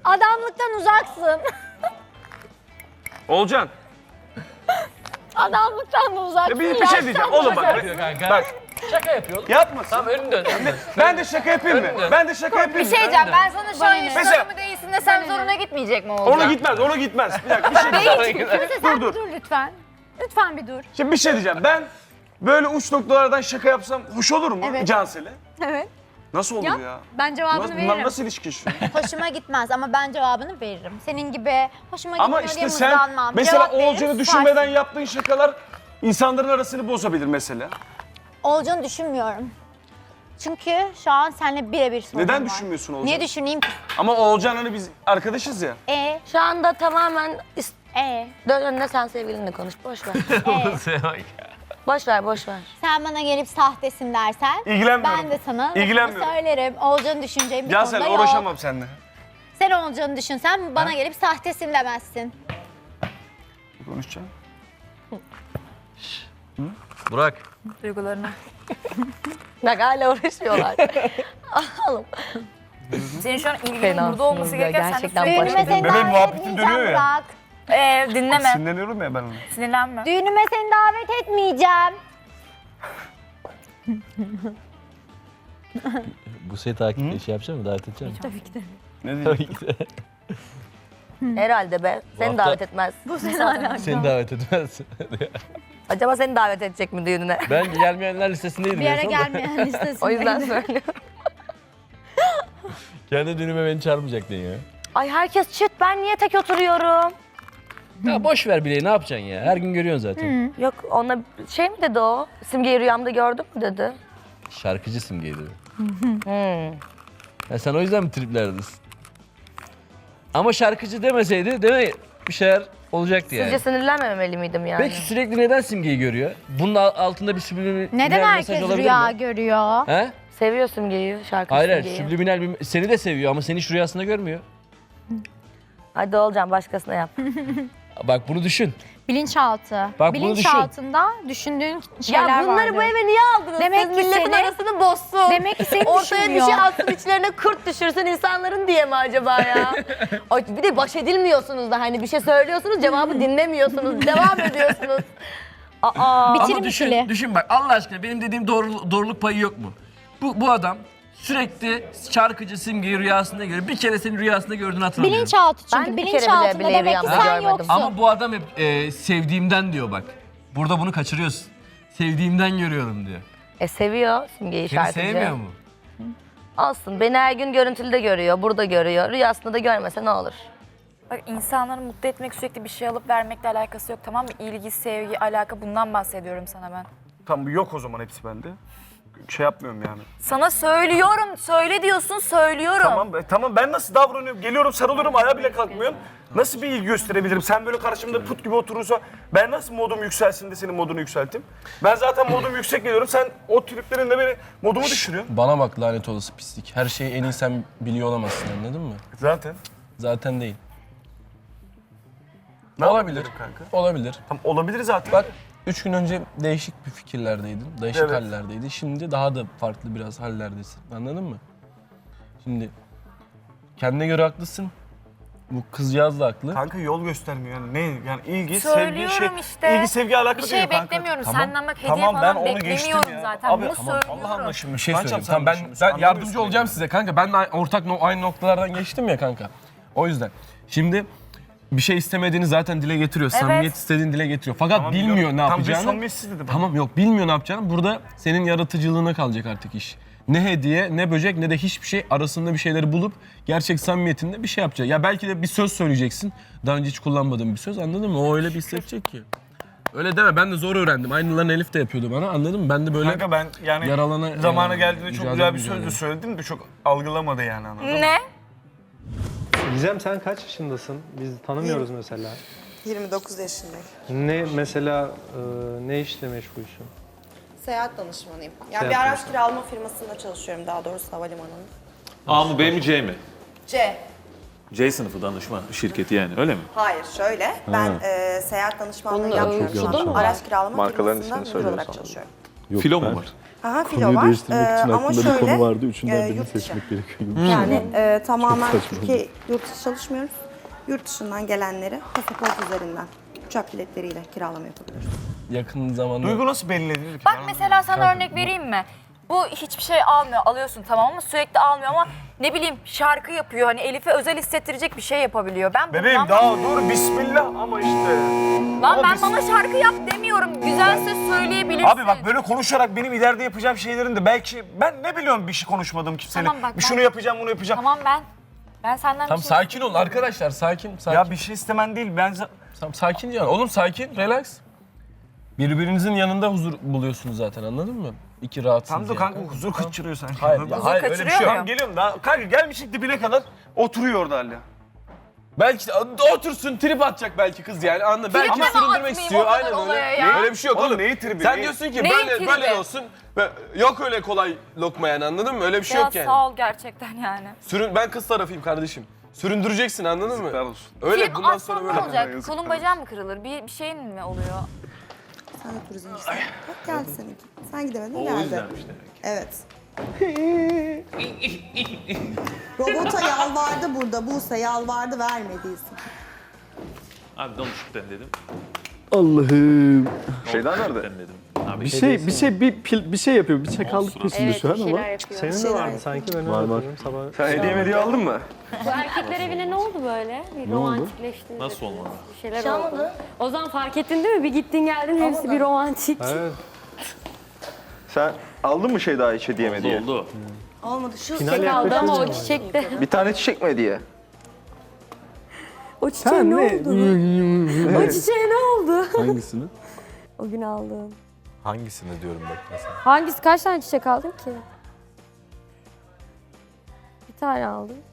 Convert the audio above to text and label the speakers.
Speaker 1: Adamlıktan uzaksın.
Speaker 2: Olcan.
Speaker 1: Adamlıktan da uzaksın.
Speaker 2: Bir şey diyeceğim oğlum bak. Bak.
Speaker 3: Şaka yapıyor.
Speaker 2: Yapma.
Speaker 3: Tamam önünü dön.
Speaker 2: Ben de şaka yapayım mı?
Speaker 3: Önünü dön.
Speaker 2: Ben de şaka yapayım
Speaker 4: Bir
Speaker 2: mı?
Speaker 4: şey diyeceğim, ben sana şu an
Speaker 2: Mesela-
Speaker 4: yaşlı mı değilsin de sen zoruna gitmeyecek mi olacak?
Speaker 2: Onu gitmez. Bir dakika bir şey diyeceğim.
Speaker 1: Sen
Speaker 2: dur.
Speaker 1: bir dur lütfen. Lütfen bir dur.
Speaker 2: Şimdi bir şey diyeceğim. Ben böyle uç noktalardan şaka yapsam hoş olur mu
Speaker 1: Evet.
Speaker 2: Cansel'e?
Speaker 1: Evet.
Speaker 2: Nasıl olur ya?
Speaker 1: Ben cevabını
Speaker 2: Bunlar
Speaker 1: veririm.
Speaker 2: nasıl ilişki şu?
Speaker 1: Hoşuma gitmez ama ben cevabını veririm. Senin gibi hoşuma
Speaker 2: Ama
Speaker 1: gitmiyor diye
Speaker 2: işte sen
Speaker 1: mızlanmam.
Speaker 2: mesela
Speaker 1: Cevap veririm,
Speaker 2: Oğulcan'ı
Speaker 1: susarsın.
Speaker 2: düşünmeden yaptığın şakalar insanların arasını bozabilir mesela.
Speaker 1: Oğulcan'ı düşünmüyorum. Çünkü şu an seninle birebir sorun
Speaker 2: Neden
Speaker 1: var.
Speaker 2: düşünmüyorsun Oğulcan?
Speaker 1: Niye düşüneyim ki?
Speaker 2: Ama Oğulcan hani biz arkadaşız ya.
Speaker 5: Şu anda tamamen dön önüne sen sevgilinle konuş. Boş ver. Boş ver, boş ver.
Speaker 1: Sen bana gelip sahtesin dersen
Speaker 2: İlgilenmiyorum.
Speaker 1: ben de sana lafımı
Speaker 2: İlgilenmiyorum.
Speaker 1: söylerim. Oğulcan'ı düşüneceğim bir
Speaker 2: Cansel
Speaker 1: konuda yok.
Speaker 2: uğraşamam seninle.
Speaker 1: Sen Oğulcan'ı düşünsen bana gelip sahtesin demezsin.
Speaker 2: Konuşacağım.
Speaker 3: Burak.
Speaker 4: Duygularını.
Speaker 5: Bak hala uğraşıyorlar. Alalım.
Speaker 4: Senin şu an ilginin
Speaker 5: Fenasınız
Speaker 4: burada olması
Speaker 5: ya,
Speaker 4: gereken
Speaker 5: gerçekten
Speaker 4: sen de
Speaker 1: Düğünüme seni
Speaker 2: Bebeğim,
Speaker 1: davet
Speaker 2: muhabbetin
Speaker 1: etmeyeceğim
Speaker 2: dönüyor ya.
Speaker 1: Burak.
Speaker 4: dinleme,
Speaker 2: Sinirleniyorum ya ben ona.
Speaker 4: sinirlenme.
Speaker 1: Düğünüme seni davet etmeyeceğim.
Speaker 6: Bu seni takip şey yapacak mı? Davet edecek mi?
Speaker 2: Ne diyeyim?
Speaker 5: Herhalde be. Seni
Speaker 6: hafta-
Speaker 5: davet etmez.
Speaker 1: Bu seni alakalı.
Speaker 6: Seni davet etmez.
Speaker 5: Acaba seni davet edecek mi düğününe?
Speaker 6: Ben gelmeyenler listesindeydim.
Speaker 1: Bir
Speaker 6: en
Speaker 1: ara
Speaker 6: son da.
Speaker 1: gelmeyen listesindeydi.
Speaker 5: O yüzden söylüyorum.
Speaker 6: Kendi düğünüme beni çağırmayacaktın ya.
Speaker 5: Ay herkes çıt, ben niye tek oturuyorum?
Speaker 6: Ya boş ver bileği, ne yapacaksın ya? Her gün görüyorsun zaten.
Speaker 5: Yok ona şey mi dedi o? Simgeyi rüyamda gördüm mü dedi.
Speaker 6: Şarkıcı simgeydi. Ya sen o yüzden mi triplerdesin? Ama şarkıcı demeseydi değil mi? Bir şeyler olacaktı yani.
Speaker 5: Sizce sinirlenmemeli miydim yani?
Speaker 6: Peki sürekli neden simgeyi görüyor? Bunun altında bir subliminal
Speaker 1: Neden
Speaker 6: mesaj
Speaker 1: herkes
Speaker 6: olabilir
Speaker 1: rüya
Speaker 6: mi?
Speaker 1: görüyor?
Speaker 6: He?
Speaker 5: Seviyor Simge'yi, şarkı
Speaker 6: Hayır hayır,
Speaker 5: Simge'yi.
Speaker 6: subliminal bir... Seni de seviyor ama seni hiç rüyasında görmüyor.
Speaker 5: Hadi olacağım, başkasına yap.
Speaker 6: Bak bunu düşün.
Speaker 1: Bilinçaltı.
Speaker 6: Bak bunu
Speaker 1: Bilinçaltında düşündüğün şeyler
Speaker 5: Ya bunları
Speaker 1: vardır.
Speaker 5: bu eve niye aldınız?
Speaker 1: Demek
Speaker 5: Siz
Speaker 1: ki
Speaker 5: milletin
Speaker 1: seni-
Speaker 5: arasını bozsun.
Speaker 1: Demek ki seni
Speaker 5: Ortaya bir
Speaker 1: düşünmüyor.
Speaker 5: şey atsın, içlerine kurt düşürsün insanların diye mi acaba ya? Ay, bir de baş edilmiyorsunuz da hani bir şey söylüyorsunuz, cevabı dinlemiyorsunuz, devam ediyorsunuz. Aa,
Speaker 1: Bitirim
Speaker 6: Ama düşün,
Speaker 1: ikili.
Speaker 6: düşün bak Allah aşkına benim dediğim doğruluk payı yok mu? Bu adam sürekli şarkıcı simgeyi rüyasında görüyor. Bir kere senin rüyasında gördüğünü hatırlamıyorum.
Speaker 1: Bilinçaltı çünkü.
Speaker 5: Ben bir kere
Speaker 1: Bilinçaltında
Speaker 5: bile
Speaker 1: demek ki
Speaker 5: rüyamda
Speaker 1: sen
Speaker 5: görmedim.
Speaker 1: yoksun.
Speaker 6: Ama bu adam hep sevdiğimden diyor bak. Burada bunu kaçırıyorsun. Sevdiğimden görüyorum diyor.
Speaker 5: seviyor Simge'yi
Speaker 6: Seni
Speaker 5: şarkıcı.
Speaker 6: sevmiyor mu?
Speaker 5: Olsun, beni her gün görüntülü de görüyor, burada görüyor. Rüyasında da görmese ne olur?
Speaker 4: Bak insanları mutlu etmek sürekli bir şey alıp vermekle alakası yok, tamam mı? İlgi, sevgi, alaka, bundan bahsediyorum sana ben.
Speaker 2: Tamam yok o zaman hepsi bende. Şey yapmıyorum yani.
Speaker 4: Sana söylüyorum, söyle diyorsun, söylüyorum.
Speaker 2: Tamam ben nasıl davranıyorum? Geliyorum sarılıyorum ayağa bile kalkmıyorum. Nasıl bir ilgi gösterebilirim? Sen böyle karşımda put gibi oturursa ben nasıl modum yükselsin de senin modunu yükselteyim? Ben zaten modum yüksek geliyorum. Sen o triplerinle beni modumu düşürüyorsun.
Speaker 7: Bana bak lanet olası pislik. Her şeyi en iyi sen biliyor olamazsın, anladın mı?
Speaker 2: Zaten.
Speaker 7: Zaten değil.
Speaker 2: Ne
Speaker 7: Olabilir.
Speaker 2: yapabilirim kanka?
Speaker 7: Olabilir.
Speaker 2: Tamam olabilir zaten.
Speaker 7: Bak 3 gün önce değişik bir fikirlerdeydin, değişik
Speaker 2: Evet.
Speaker 7: hallerdeydin. Şimdi daha da farklı biraz hallerdesin. Anladın mı? Şimdi kendine göre haklısın. Bu kızcağız da haklı.
Speaker 2: Kanka yol göstermiyor yani. Ne yani ilgi,
Speaker 4: Söylüyorum
Speaker 2: sevgi şey.
Speaker 4: işte.
Speaker 2: İlgi, sevgi alakalı
Speaker 4: Bir şey
Speaker 2: değil kanka.
Speaker 4: beklemiyorum.
Speaker 7: Tamam.
Speaker 4: Senden bak hediye
Speaker 2: Tamam, ben
Speaker 4: falan
Speaker 2: onu geçtim
Speaker 4: beklemiyorum
Speaker 2: ya.
Speaker 4: zaten.
Speaker 2: Abi,
Speaker 4: Bunu
Speaker 2: tamam,
Speaker 4: söylüyorum.
Speaker 2: Allah anlaşılmış.
Speaker 7: Bir şey
Speaker 2: Kankam,
Speaker 7: söyleyeyim.
Speaker 2: sen
Speaker 7: Tamam, ben
Speaker 2: düşünmüşsün.
Speaker 7: yardımcı
Speaker 2: Anlamıyorsun
Speaker 7: olacağım
Speaker 2: beni.
Speaker 7: size kanka. Ben de aynı noktalardan geçtim ya kanka. O yüzden. Şimdi bir şey istemediğini zaten dile getiriyor. Samimiyet istediğini dile getiriyor. Fakat
Speaker 2: Tamam,
Speaker 7: bilmiyor
Speaker 2: biliyorum.
Speaker 7: ne
Speaker 2: Tam bir
Speaker 7: yapacağını.
Speaker 2: samimiyetsiz dedim.
Speaker 7: Tamam yok bilmiyor ne yapacağını. Burada senin yaratıcılığına kalacak artık iş. Ne hediye, ne böcek, ne de hiçbir şey arasında bir şeyleri bulup gerçek samimiyetinde bir şey yapacak. Ya belki de bir söz söyleyeceksin. Daha önce hiç kullanmadığım bir söz, anladın mı? O öyle bir hissedecek ki. Öyle deme, ben de zor öğrendim. Aynılarını Elif de yapıyordu bana, anladın mı? Ben de böyle
Speaker 2: Kanka ben yani
Speaker 7: yaralana...
Speaker 2: zamanı geldiğinde çok güzel bir söz de
Speaker 7: mücadele.
Speaker 2: söyledim de çok algılamadı yani anladın mı?
Speaker 4: Ne?
Speaker 8: Gizem sen kaç yaşındasın? Biz tanımıyoruz mesela.
Speaker 9: 29 yaşındayım.
Speaker 8: Ne mesela ne işle meşgulsün?
Speaker 9: Seyahat danışmanıyım. Yani
Speaker 8: Seyahat
Speaker 9: bir araç kiralama firmasında çalışıyorum, daha doğrusu havalimanında.
Speaker 10: A mı B mi C mi?
Speaker 9: C.
Speaker 10: C sınıfı danışma şirketi yani öyle mi?
Speaker 9: Hayır, şöyle. Ben seyahat danışmanlığı yapmıyorum şu an. Araç kiralama
Speaker 10: Markaların
Speaker 9: firmasında
Speaker 10: ismini
Speaker 9: müdür olarak
Speaker 10: söylüyorsan.
Speaker 9: çalışıyorum.
Speaker 10: Filo mu var?
Speaker 9: Aha, filo
Speaker 11: Konuyu
Speaker 9: var.
Speaker 11: değiştirmek için
Speaker 9: Ama
Speaker 11: aklında bir
Speaker 9: şöyle,
Speaker 11: konu vardı. Üçünden birini
Speaker 9: yurt dışı.
Speaker 11: seçmek gerekiyor.
Speaker 9: Yani tamamen
Speaker 11: Çok saçma
Speaker 9: Türkiye, yurt dışı çalışmıyoruz. Yurt dışından gelenleri pasaport üzerinden uçak biletleriyle kiralama yapabiliyoruz.
Speaker 7: Yakın zamanda...
Speaker 2: Duygu nasıl belli edilir ki?
Speaker 4: Bak mesela sana örnek vereyim mi? Bu hiçbir şey almıyor, alıyorsun tamam ama sürekli almıyor ama ne bileyim şarkı yapıyor. Hani Elif'e özel hissettirecek bir şey yapabiliyor. Ben
Speaker 2: Bebeğim
Speaker 4: bundan
Speaker 2: daha dur bismillah ama işte.
Speaker 4: Lan
Speaker 2: Ama
Speaker 4: ben
Speaker 2: biz-
Speaker 4: bana şarkı yap demiyorum. Güzel söz söyleyebilirsin.
Speaker 2: Abi bak böyle konuşarak benim ileride yapacağım şeylerin de belki ben ne biliyorum bir şey konuşmadığım kimseyle.
Speaker 4: Tamam bak,
Speaker 2: bir şunu
Speaker 4: ben-
Speaker 2: yapacağım bunu yapacağım.
Speaker 4: Tamam ben senden
Speaker 7: Tamam
Speaker 4: bir şey
Speaker 7: sakin ol arkadaşlar sakin.
Speaker 2: Ya bir şey istemen değil ben
Speaker 7: Tamam sakin ya. Oğlum sakin, relax. Birbirinizin yanında huzur buluyorsunuz zaten anladın mı? İki rahatsınız.
Speaker 2: tam da
Speaker 7: yani.
Speaker 2: kanka huzur kaçırıyor sanki.
Speaker 7: Hayır,
Speaker 2: Huzur
Speaker 7: ya, hayır öyle bir
Speaker 4: kaçırıyor
Speaker 7: şey yok.
Speaker 4: mu?
Speaker 2: Tamam geliyorum daha. Kanka gelmişik dibine kadar oturuyor orada hala.
Speaker 7: Belki de otursun trip atacak belki kız yani anla. Belki
Speaker 4: mi
Speaker 7: süründürmek
Speaker 4: atmayayım
Speaker 7: istiyor
Speaker 4: o kadar
Speaker 7: aynen
Speaker 4: olaya
Speaker 7: öyle.
Speaker 4: ya?
Speaker 7: Öyle bir şey yok
Speaker 2: Oğlum
Speaker 7: oğlum.
Speaker 2: neyi tribi?
Speaker 7: Sen
Speaker 2: neyi-
Speaker 7: diyorsun ki
Speaker 4: Neyin
Speaker 7: böyle
Speaker 4: tribi?
Speaker 7: böyle olsun. Yok öyle kolay lokma yani anladın mı? Öyle bir şey
Speaker 4: Ya
Speaker 7: yok yani.
Speaker 4: sağ ol gerçekten yani.
Speaker 7: Ben kız tarafıyım kardeşim. Süründüreceksin anladın mı?
Speaker 2: Yazıklar olsun.
Speaker 7: Öyle
Speaker 4: Film
Speaker 7: bundan
Speaker 4: atsam
Speaker 7: sonra
Speaker 4: ne
Speaker 7: böyle.
Speaker 4: olacak? Kolun bacağın mı kırılır? Bir şeyin mi oluyor?
Speaker 9: Sen de turizmcisin. Bak geldi seninki. Sen gidemedin
Speaker 10: O
Speaker 9: geldi.
Speaker 10: yüzdenmiş demek.
Speaker 9: Evet. Robota yalvardı burada. Buse yalvardı vermediysin.
Speaker 10: Abi danışıktan dedim.
Speaker 11: Allah'ım.
Speaker 10: Şeyden nerede? Dedim. Abi
Speaker 11: Bir şey yapıyor. Bir çakallık peşinde şu an ama.
Speaker 8: Senin de
Speaker 9: Şeyler
Speaker 8: vardı sanki ben
Speaker 11: Var, var.
Speaker 8: hatırlıyorum sabah.
Speaker 2: Sen hediye aldın mı?
Speaker 12: Bu erkekler evine ne oldu böyle? Bir romantikleşti.
Speaker 10: nasıl olmadı?
Speaker 12: Bir şeyler oldu. O zaman fark ettin değil mi? Bir gittin geldin hepsi bir romantik.
Speaker 8: Evet.
Speaker 2: Sen aldın mı şey daha hiç hediye mi diye?
Speaker 10: Oldu.
Speaker 9: Olmadı. Şu
Speaker 8: Final
Speaker 12: Çiçek aldı ama o
Speaker 8: yaklaşınca
Speaker 12: çiçek de.
Speaker 2: Bir tane çiçek mi hediye?
Speaker 12: O çiçeğe ne oldu? O çiçeğe ne oldu?
Speaker 11: Hangisini?
Speaker 12: O gün aldın.
Speaker 11: Hangisini diyorum bak mesela.
Speaker 12: Hangisi? Kaç tane çiçek aldın ki? Bir tane aldım.